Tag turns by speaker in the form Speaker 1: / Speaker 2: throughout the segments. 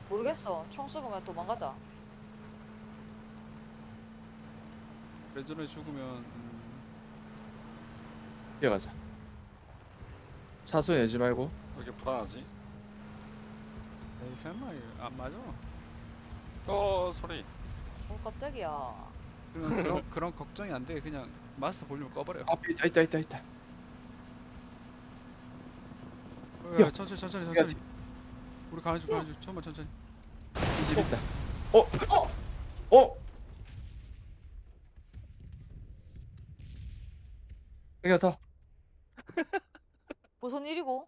Speaker 1: 모르겠어. 총 쏘면 그냥 도망가자.
Speaker 2: 레전에 죽으면
Speaker 3: 뛰어가자. 차소 내지 말고.
Speaker 4: 왜 이렇게 불안하지?
Speaker 2: 에이 설마 이거 안 맞아.
Speaker 4: 소리.
Speaker 1: 깜짝이야.
Speaker 2: 그런 걱정이 안 돼. 그냥 마스터 볼륨 꺼버려.
Speaker 3: 앞에 있다.
Speaker 2: 야, 천천히. 우리 가는 중. 천천히.
Speaker 3: 이 집 있다. 어? 그냥 더.
Speaker 1: 무슨 일이고?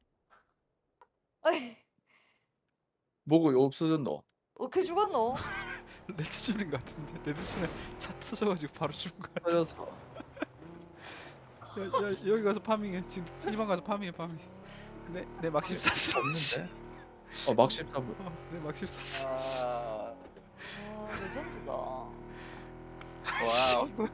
Speaker 1: 아이,
Speaker 3: 뭐고 없어졌노?
Speaker 1: 어떻게 죽었노?
Speaker 2: 레드존인 것 같은데. 레드존에 차 터져가지고 바로 죽은 거야.
Speaker 3: 터졌어.
Speaker 2: 야, 여기 가서 파밍해. 지금 희망 가서 파밍해. 내 막심 쐈어.
Speaker 3: 없는데? 막심 사부.
Speaker 2: 내 막심 쐈어.
Speaker 1: 레전드다.
Speaker 4: 와우.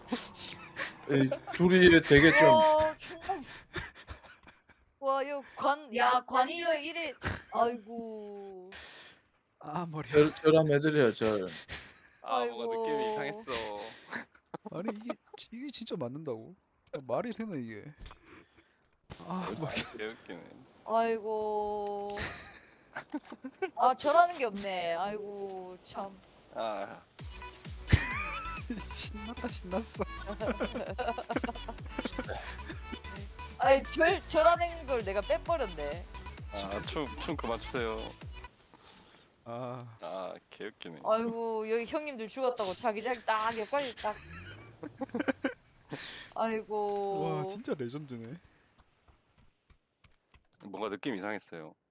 Speaker 3: 둘이 되게 좀
Speaker 1: 와, 충분. 와, 이거 관이 여행 이래. 아이고.
Speaker 2: 아 머리야.
Speaker 3: 저런 애들이야 저.
Speaker 4: 뭔가
Speaker 1: 아이고.
Speaker 4: 느낌이 이상했어.
Speaker 2: 아니 이게 진짜 맞는다고? 야, 말이 되나 이게? 아 머리.
Speaker 4: 개웃기네.
Speaker 1: 아이고. 아, 저라는 게 없네. 아이고, 참.
Speaker 4: 아,
Speaker 2: 신났어.
Speaker 1: 아이, 저라는 걸 내가 빼버렸네.
Speaker 4: 춤 그만 추세요.
Speaker 2: 아
Speaker 4: 개웃기네.
Speaker 1: 아이고, 여기 형님들 죽었다고 자기장 딱 여기까지 딱. 아이고.
Speaker 2: 와 진짜 레전드네.
Speaker 4: 뭔가 느낌 이상했어요.